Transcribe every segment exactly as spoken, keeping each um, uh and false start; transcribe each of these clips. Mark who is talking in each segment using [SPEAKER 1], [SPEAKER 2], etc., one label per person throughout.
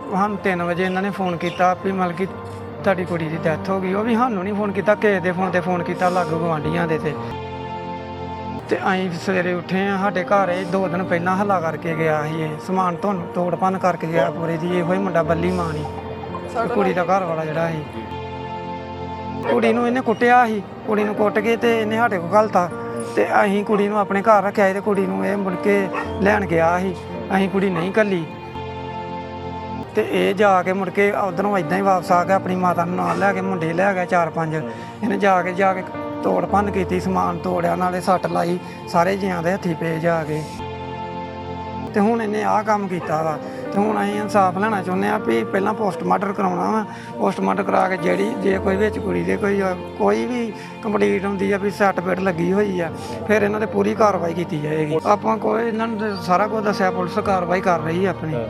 [SPEAKER 1] ਸਾਨੂੰ तीन वजे इन्होंने फोन किया भी मतलब कि ਤੁਹਾਡੀ ਕੁੜੀ ਦੀ ਡੈਥ ਹੋ ਗਈ। ਉਹ ਵੀ ਸਾਨੂੰ ਨਹੀਂ ਫੋਨ ਕੀਤਾ, ਕਿਸੇ ਦੇ ਫੋਨ ਤੇ ਫੋਨ ਕੀਤਾ ਲਾਗੂ ਗਵਾਂਢੀਆਂ ਦੇ ਤੇ ਤੇ ਅਸੀਂ ਸਵੇਰੇ ਉੱਠੇ ਆ। ਸਾਡੇ ਘਰ ਇਹ ਦੋ ਦਿਨ ਪਹਿਲਾਂ ਹੱਲਾ ਕਰਕੇ ਗਿਆ ਸੀ, ਇਹ ਸਮਾਨ ਤੋਂ ਤੋੜ ਭੰਨ ਕਰਕੇ ਗਿਆ ਪੂਰੇ ਦੀ। ਇਹੋ ਹੀ ਮੁੰਡਾ ਬੱਲੀ ਮਾਂ ਨਹੀਂ, ਕੁੜੀ ਦਾ ਘਰ ਵਾਲਾ ਜਿਹੜਾ ਸੀ। ਕੁੜੀ ਨੂੰ ਇਹਨੇ ਕੁੱਟਿਆ ਸੀ, ਕੁੜੀ ਨੂੰ ਕੁੱਟ ਕੇ ਤੇ ਇਹਨੇ ਸਾਡੇ ਕੋਲ ਘਲਤਾ ਤੇ ਅਸੀਂ ਕੁੜੀ ਨੂੰ ਆਪਣੇ ਘਰ ਰੱਖਿਆ ਤੇ ਕੁੜੀ ਨੂੰ ਇਹ ਮੁੜ ਕੇ ਲੈਣ ਗਿਆ ਸੀ। ਅਸੀਂ ਕੁੜੀ ਨਹੀਂ ਘੱਲੀ ਤੇ ਇਹ ਜਾ ਕੇ ਮੁੜ ਕੇ ਉੱਧਰੋਂ ਇੱਦਾਂ ਹੀ ਵਾਪਸ ਆ ਗਿਆ, ਆਪਣੀ ਮਾਤਾ ਨੂੰ ਨਾਲ ਲੈ ਕੇ ਮੁੰਡੇ ਲੈ ਗਿਆ ਚਾਰ ਪੰਜ। ਇਹਨੇ ਜਾ ਕੇ ਜਾ ਕੇ ਤੋੜ ਭੰਨ ਕੀਤੀ, ਸਮਾਨ ਤੋੜਿਆ, ਨਾਲੇ ਸੱਟ ਲਾਈ, ਸਾਰੇ ਜੀਆਂ ਦੇ ਹੱਥੀਂ ਪਏ ਜਾ ਕੇ। ਤੇ ਹੁਣ ਇਹਨੇ ਆਹ ਕੰਮ ਕੀਤਾ ਵਾ ਤੇ ਹੁਣ ਅਸੀਂ ਇਨਸਾਫ ਲੈਣਾ ਚਾਹੁੰਦੇ ਹਾਂ ਵੀ ਪਹਿਲਾਂ ਪੋਸਟਮਾਰਟਮ ਕਰਾਉਣਾ ਵਾ। ਪੋਸਟਮਾਰਟਮ ਕਰਾ ਕੇ ਜਿਹੜੀ ਜੇ ਕੋਈ ਵਿੱਚ ਕੁੜੀ ਦੇ ਕੋਈ ਕੋਈ ਵੀ ਕੰਪਲੀਟ ਹੁੰਦੀ ਆ ਵੀ ਸੱਟ ਪੇਟ ਲੱਗੀ ਹੋਈ ਆ, ਫਿਰ ਇਹਨਾਂ 'ਤੇ ਪੂਰੀ ਕਾਰਵਾਈ ਕੀਤੀ ਜਾਏਗੀ। ਆਪਾਂ ਕੋਈ ਇਹਨਾਂ ਨੂੰ ਸਾਰਾ ਕੁਝ ਦੱਸਿਆ, ਪੁਲਿਸ ਕਾਰਵਾਈ ਕਰ ਰਹੀ ਆ ਆਪਣੀ।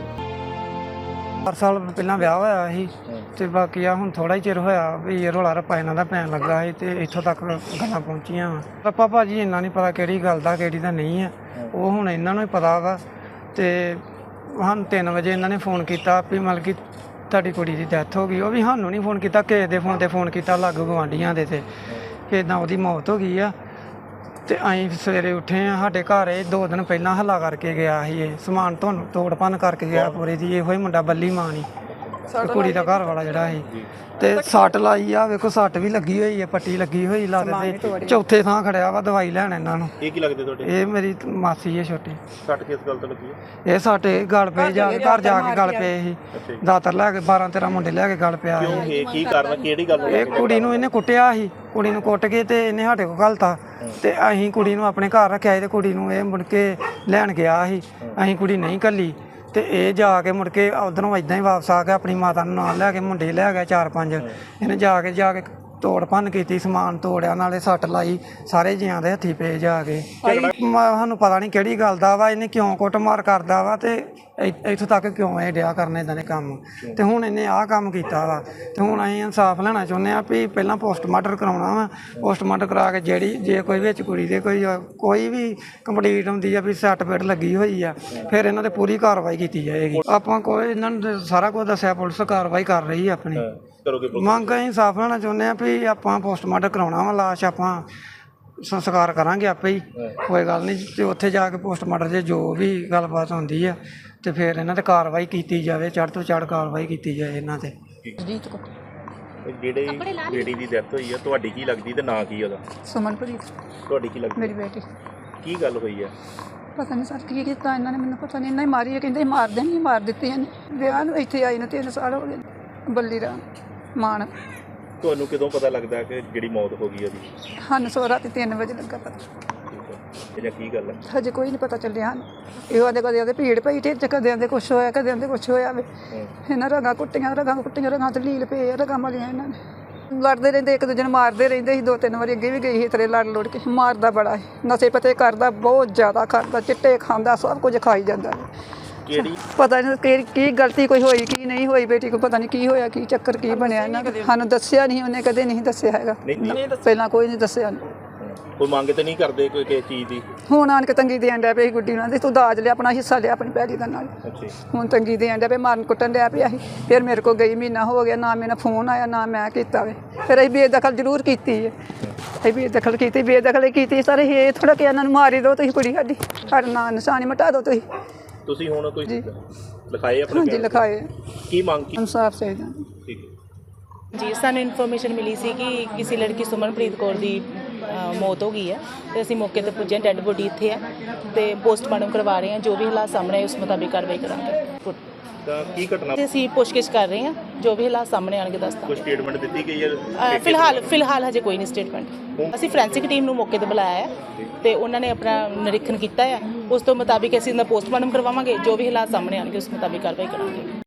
[SPEAKER 1] ਚਾਰ ਸਾਲ ਪਹਿਲਾਂ ਵਿਆਹ ਹੋਇਆ ਸੀ ਤੇ ਬਾਕੀ ਆ ਹੁਣ ਥੋੜਾ ਹੀ ਚਿਰ ਹੋਇਆ ਵੀ ਰੌਲਾ ਰੱਪਾ ਇਹਨਾਂ ਦਾ ਪੈਣ ਲੱਗਾ ਸੀ ਤੇ ਇੱਥੋਂ ਤੱਕ ਗੱਲਾਂ ਪਹੁੰਚੀਆਂ ਵਾ। ਰੱਪਾ ਭਾਜੀ ਇੰਨਾ ਨਹੀਂ ਪਤਾ ਕਿਹੜੀ ਗੱਲ ਦਾ ਕਿਹੜੀ ਦਾ ਨਹੀਂ ਆ, ਉਹ ਹੁਣ ਇਹਨਾਂ ਨੂੰ ਹੀ ਪਤਾ ਵਾ। ਤੇ ਸਾਨੂੰ ਤਿੰਨ ਵਜੇ ਇਹਨਾਂ ਨੇ ਫੋਨ ਕੀਤਾ ਵੀ ਮਤਲਬ ਕਿ ਤੁਹਾਡੀ ਕੁੜੀ ਦੀ ਡੈਥ ਹੋ ਗਈ। ਉਹ ਵੀ ਸਾਨੂੰ ਨਹੀਂ ਫੋਨ ਕੀਤਾ, ਕਿਸੇ ਦੇ ਫੋਨ ਤੇ ਫੋਨ ਕੀਤਾ ਲਾਗੂ ਗਵਾਂਢੀਆਂ ਦੇ ਤੇ ਕਿ ਇੱਦਾਂ ਉਹਦੀ ਮੌਤ ਹੋ ਗਈ ਆ। ਤੇ ਅਸੀਂ ਸਵੇਰੇ ਉੱਠੇ ਆ। ਸਾਡੇ ਘਰ ਇਹ ਦੋ ਦਿਨ ਪਹਿਲਾਂ ਹੱਲਾ ਕਰਕੇ ਗਿਆ ਸੀ, ਇਹ ਸਮਾਨ ਤੋਂ ਤੋੜ ਭੰਨ ਕਰਕੇ ਗਿਆ ਪੂਰੇ ਦੀ। ਇਹੋ ਹੀ ਮੁੰਡਾ ਬੱਲੀ ਮਾਂ ਨਹੀਂ, ਕੁੜੀ ਦਾ ਘਰ ਵਾਲਾ ਜਿਹੜਾ ਸੀ। ਤੇ ਸੱਟ ਲਾਈ ਆ, ਵੇਖੋ ਸੱਟ ਵੀ ਲੱਗੀ ਹੋਈ ਹੈ, ਪੱਟੀ ਲੱਗੀ ਹੋਈ ਲੱਤ ਤੇ। ਚੌਥੇ ਥਾਂ ਖੜਿਆ ਵਾ, ਦਵਾਈ ਲੈਣ ਇਹਨਾਂ ਨੂੰ।
[SPEAKER 2] ਇਹ ਕੀ ਲੱਗਦੇ ਤੁਹਾਡੇ?
[SPEAKER 1] ਇਹ ਮੇਰੀ ਮਾਸੀ ਹੈ ਛੋਟੀ।
[SPEAKER 2] ਸੱਟ ਕਿਸ ਗੱਲ ਤੋਂ ਲੱਗੀ ਹੈ?
[SPEAKER 1] ਇਹ ਸਾਡੇ ਗਲ ਪਏ ਜਾ ਕੇ ਘਰ ਜਾ ਕੇ ਗਲ ਪਏ ਸੀ, ਦਾਤਰ ਲੈ ਕੇ ਬਾਰਾਂ ਤੇਰਾਂ ਮੁੰਡੇ ਲੈ ਕੇ ਗਲ ਪਿਆ ਸੀ।
[SPEAKER 2] ਇਹ ਕੀ ਕਾਰਨ, ਕਿਹੜੀ ਗੱਲ?
[SPEAKER 1] ਇਹ ਕੁੜੀ ਨੂੰ ਇਹਨੇ ਕੁੱਟਿਆ ਸੀ, ਕੁੜੀ ਨੂੰ ਕੁੱਟ ਕੇ ਤੇ ਇਹਨੇ ਸਾਡੇ ਕੋਲ ਘਲਤਾ ਤੇ ਅਸੀਂ ਕੁੜੀ ਨੂੰ ਆਪਣੇ ਘਰ ਰੱਖਿਆ ਤੇ ਕੁੜੀ ਨੂੰ ਇਹ ਮੁੜ ਕੇ ਲੈਣ ਗਿਆ ਸੀ। ਅਸੀਂ ਕੁੜੀ ਨਹੀਂ ਘੱਲੀ ਤੇ ਇਹ ਜਾ ਕੇ ਮੁੜ ਕੇ ਉੱਧਰੋਂ ਇੱਦਾਂ ਹੀ ਵਾਪਸ ਆ ਗਿਆ, ਆਪਣੀ ਮਾਤਾ ਨੂੰ ਨਾਲ ਲੈ ਕੇ ਮੁੰਡੇ ਲੈ ਗਿਆ ਚਾਰ ਪੰਜ। ਇਹਨੇ ਜਾ ਕੇ ਜਾ ਕੇ ਤੋੜ ਭੰਨ ਕੀਤੀ, ਸਮਾਨ ਤੋੜਿਆ, ਨਾਲੇ ਸੱਟ ਲਾਈ, ਸਾਰੇ ਜੀਆਂ ਦੇ ਹੱਥੀਂ ਪਏ ਜਾ ਕੇ। ਸਾਨੂੰ ਪਤਾ ਨਹੀਂ ਕਿਹੜੀ ਗੱਲ ਦਾ ਵਾ, ਇਹਨੇ ਕਿਉਂ ਕੁੱਟਮਾਰ ਕਰਦਾ ਵਾ ਤੇ ਇੱਥੋਂ ਤੱਕ ਕਿਉਂ ਇਹ ਡਿਆ ਕਰਨ ਇੱਦਾਂ ਦੇ ਕੰਮ। ਤੇ ਹੁਣ ਇਹਨੇ ਆਹ ਕੰਮ ਕੀਤਾ ਵਾ ਤੇ ਹੁਣ ਅਸੀਂ ਇਨਸਾਫ ਲੈਣਾ ਚਾਹੁੰਦੇ ਹਾਂ ਵੀ ਪਹਿਲਾਂ ਪੋਸਟਮਾਰਟਮ ਕਰਾਉਣਾ ਵਾ। ਪੋਸਟਮਾਰਟਮ ਕਰਾ ਕੇ ਜਿਹੜੀ ਜੇ ਕੋਈ ਵਿੱਚ ਕੁੜੀ ਦੇ ਕੋਈ ਕੋਈ ਵੀ ਕੰਪਲੀਟ ਹੁੰਦੀ ਆ ਵੀ ਸੱਟ ਪੇਟ ਲੱਗੀ ਹੋਈ ਆ, ਫਿਰ ਇਹਨਾਂ 'ਤੇ ਪੂਰੀ ਕਾਰਵਾਈ ਕੀਤੀ ਜਾਏਗੀ। ਆਪਾਂ ਕੋਈ ਇਹਨਾਂ ਨੂੰ ਸਾਰਾ ਕੁਝ ਦੱਸਿਆ, ਪੁਲਿਸ ਕਾਰਵਾਈ ਕਰ ਰਹੀ ਆ ਆਪਣੀ। ਮੰਗ ਅਸੀਂ ਇਨਸਾਫ ਲੈਣਾ ਚਾਹੁੰਦੇ ਹਾਂ ਵੀ ਆਪਾਂ ਪੋਸਟਮਾਰਟਮ ਕਰਾਉਣਾ ਵਾ, ਲਾਸ਼ ਆਪਾਂ ਸੰਸਕਾਰ ਕਰਾਂਗੇ ਆਪੇ ਹੀ, ਕੋਈ ਗੱਲ ਨਹੀਂ। ਤੇ ਉੱਥੇ ਜਾ ਕੇ ਪੋਸਟਮਾਰਟਮ 'ਚ ਜੋ ਵੀ ਗੱਲਬਾਤ ਹੁੰਦੀ ਆ ਤੇ ਫਿਰ ਇਹਨਾਂ 'ਤੇ ਕਾਰਵਾਈ ਕੀਤੀ ਜਾਵੇ, ਚੜ੍ਹ ਤੋਂ ਚੜ੍ਹ ਕਾਰਵਾਈ ਕੀਤੀ ਜਾਏ ਇਹਨਾਂ 'ਤੇ।
[SPEAKER 2] ਜਿਹੜੇ ਬੇਟੀ ਦੀ ਡੈਥ ਹੋਈ ਆ, ਤੁਹਾਡੀ ਕੀ ਲੱਗਦੀ ਤੇ ਨਾਂ ਕੀ ਉਹਦਾ?
[SPEAKER 3] ਸੁਮਨਪ੍ਰੀਤ।
[SPEAKER 2] ਤੁਹਾਡੀ ਕੀ ਲੱਗਦੀ?
[SPEAKER 3] ਮੇਰੀ ਬੇਟੀ।
[SPEAKER 2] ਕੀ ਗੱਲ ਹੋਈ ਆ?
[SPEAKER 3] ਪਤਾ ਨਹੀਂ ਸਰ ਕੀ ਕੀਤਾ ਇਹਨਾਂ ਨੇ, ਮੈਨੂੰ ਪਤਾ ਨਹੀਂ। ਇਹਨਾਂ ਹੀ ਮਾਰੀ ਹੈ, ਕਹਿੰਦੇ ਮਾਰ ਦੇਣੀ, ਮਾਰ ਦਿੱਤੀ ਇਹਨੇ। ਵਿਆਹ ਨੂੰ ਇੱਥੇ ਆਈ ਨੂੰ ਤਿੰਨ ਸਾਲ ਹੋ ਗਏ। ਬੱਲੀ ਰਾਮ ਮਾਨ।
[SPEAKER 2] ਤੁਹਾਨੂੰ ਕਦੋਂ ਪਤਾ ਲੱਗਦਾ ਕਿ ਜਿਹੜੀ ਮੌਤ ਹੋ ਗਈ ਉਹਦੀ?
[SPEAKER 3] ਸਾਨੂੰ ਸੋ ਰਾਤੀ ਤਿੰਨ ਵਜੇ ਲੱਗਾ ਪਤਾ।
[SPEAKER 2] ਇਹ ਕੀ ਗੱਲ ਹੈ?
[SPEAKER 3] ਹਜੇ ਕੋਈ ਨਹੀਂ ਪਤਾ ਚੱਲਿਆ ਹਨ। ਇਹੋ ਆਦੇ ਕਦੇ ਆਦੇ ਭੀੜ ਪਈ ਢਿੱਡ 'ਚ, ਕਦੇ ਆਦੇ ਕੁਛ ਹੋਇਆ, ਕਦੇ ਆਦੇ ਕੁਛ ਹੋਇਆ ਵੇ। ਇਹਨਾਂ ਰਗਾਂ ਕੁੱਟੀਆਂ, ਰਗਾਂ ਕੁੱਟੀਆਂ, ਰਗਾਂ ਤੇ ਲੀਲ ਪਏ, ਰਗਾਂ ਮਲੀਆਂ ਇਹਨਾਂ ਨੇ। ਲੜਦੇ ਰਹਿੰਦੇ, ਇੱਕ ਦੂਜੇ ਨੂੰ ਮਾਰਦੇ ਰਹਿੰਦੇ ਸੀ। ਦੋ ਤਿੰਨ ਵਾਰੀ ਅੱਗੇ ਵੀ ਗਈ ਸੀ ਤੇਰੇ ਲੜ ਲੁੜ ਕੇ। ਮਾਰਦਾ ਬੜਾ ਸੀ, ਨਸ਼ੇ ਪਤੇ ਕਰਦਾ, ਬਹੁਤ ਜ਼ਿਆਦਾ ਕਰਦਾ, ਚਿੱਟੇ ਖਾਂਦਾ, ਸਭ ਕੁਝ ਖਾਈ ਜਾਂਦਾ।
[SPEAKER 2] ਕਿਹੜੀ
[SPEAKER 3] ਪਤਾ ਨਹੀਂ ਕਿ ਕੀ ਗਲਤੀ ਕੋਈ ਹੋਈ ਕੀ ਨਹੀਂ ਹੋਈ, ਬੇਟੀ ਕੋ ਪਤਾ ਨਹੀਂ ਕੀ ਹੋਇਆ, ਕੀ ਚੱਕਰ ਕੀ ਬਣਿਆ ਇਹਨਾਂ ਦਾ। ਸਾਨੂੰ ਦੱਸਿਆ ਨਹੀਂ, ਉਹਨੇ ਕਦੇ ਨਹੀਂ ਦੱਸਿਆ ਹੈਗਾ, ਪਹਿਲਾਂ ਕੋਈ ਨਹੀਂ ਦੱਸਿਆ।
[SPEAKER 2] ਕੋਈ ਮੰਗ ਤੇ ਨਹੀਂ ਕਰਦੇ ਕੋਈ ਕਿਸੇ ਚੀਜ਼ ਦੀ?
[SPEAKER 3] ਹੁਣ ਆਣ ਕੇ ਤੰਗੀ ਦੇਣ ਡਿਆ ਪਈ ਗੁੱਡੀ ਨਾਲ, ਤੂੰ ਦਾਜ ਲਿਆ, ਆਪਣਾ ਹਿੱਸਾ ਲਿਆ ਆਪਣੀ ਪੈਲੀ ਦਾ ਨਾਲ। ਹੁਣ ਤੰਗੀ ਦੇਣ ਡਿਆ ਪਈ, ਮਾਰਨ ਕੁੱਟਣ ਡਿਆ ਪਿਆ ਸੀ। ਫਿਰ ਮੇਰੇ ਕੋਲ ਗਈ, ਮਹੀਨਾ ਹੋ ਗਿਆ, ਨਾ ਮੇਰਾ ਫੋਨ ਆਇਆ, ਨਾ ਮੈਂ ਕੀਤਾ ਵੇ। ਫਿਰ ਅਸੀਂ ਬੇਦਖਲ ਜ਼ਰੂਰ ਕੀਤੀ ਹੈ, ਅਸੀਂ ਬੇਦਖਲ ਕੀਤੀ, ਬੇਦਖਲ ਕੀਤੀ ਸਾਰੇ। ਇਹ ਥੋੜਾ ਕਿ ਇਹਨਾਂ ਨੂੰ ਮਾਰੀ ਦਿਓ ਤੁਸੀਂ, ਕੁੜੀ ਸਾਡੀ, ਸਾਡਾ ਨਾਂ ਨਿਸ਼ਾਨੀ ਮਿਟਾ ਦਿਓ ਤੁਸੀਂ।
[SPEAKER 2] ਤੁਸੀਂ ਹੁਣ ਕੋਈ ਲਿਖਾਏ ਆਪਣੇ?
[SPEAKER 3] ਹਾਂਜੀ ਲਿਖਾਏ।
[SPEAKER 2] ਕੀ ਮੰਗ ਕੀ?
[SPEAKER 3] ਇਨਸਾਫ ਚਾਹੀਦਾ।
[SPEAKER 2] ਠੀਕ ਹੈ
[SPEAKER 4] ਜੀ, ਸਾਨੂੰ ਇਨਫੋਰਮੇਸ਼ਨ ਮਿਲੀ ਸੀ ਕਿ ਕਿਸੇ ਲੜਕੀ ਸੁਮਨਪ੍ਰੀਤ ਕੌਰ ਦੀ ਮੌਤ ਹੋ ਗਈ ਹੈ ਤੇ ਅਸੀਂ ਮੌਕੇ 'ਤੇ ਪੁੱਜੇ। ਡੈੱਡ ਬੋਡੀ ਇੱਥੇ ਹੈ ਤੇ ਪੋਸਟਮਾਰਟਮ ਕਰਵਾ ਰਹੇ ਹਾਂ। ਜੋ ਵੀ ਹਾਲਾਤ ਸਾਹਮਣੇ ਆਏ ਉਸ ਮੁਤਾਬਿਕ ਕਾਰਵਾਈ ਕਰਾਂਗੇ।
[SPEAKER 2] ਤਾਂ ਕੀ ਘਟਨਾ?
[SPEAKER 4] ਤੇ ਅਸੀਂ ਪੁੱਛਗਿੱਛ ਕਰ ਰਹੇ ਹਾਂ, ਜੋ ਵੀ ਹਾਲਾਤ ਸਾਹਮਣੇ ਆਣਗੇ ਦੱਸਦਾ।
[SPEAKER 2] ਕੋਈ ਸਟੇਟਮੈਂਟ ਦਿੱਤੀ ਗਈ ਹੈ?
[SPEAKER 4] ਫਿਲਹਾਲ ਫਿਲਹਾਲ ਹਜੇ ਕੋਈ ਨਹੀਂ ਸਟੇਟਮੈਂਟ। ਅਸੀਂ ਫੋਰੈਂਸਿਕ ਟੀਮ ਨੂੰ ਮੌਕੇ 'ਤੇ ਬੁਲਾਇਆ ਹੈ ਤੇ ਉਹਨਾਂ ਨੇ ਆਪਣਾ ਨਿਰੀਖਣ ਕੀਤਾ ਹੈ। ਉਸ ਤੋਂ ਮੁਤਾਬਿਕ ਅਸੀਂ ਇਹਦਾ ਪੋਸਟਮਾਰਟਮ ਕਰਵਾਵਾਂਗੇ। ਜੋ ਵੀ ਹਾਲਾਤ ਸਾਹਮਣੇ ਆਣਗੇ ਉਸ ਮੁਤਾਬਿਕ ਕਾਰਵਾਈ ਕਰਾਂਗੇ।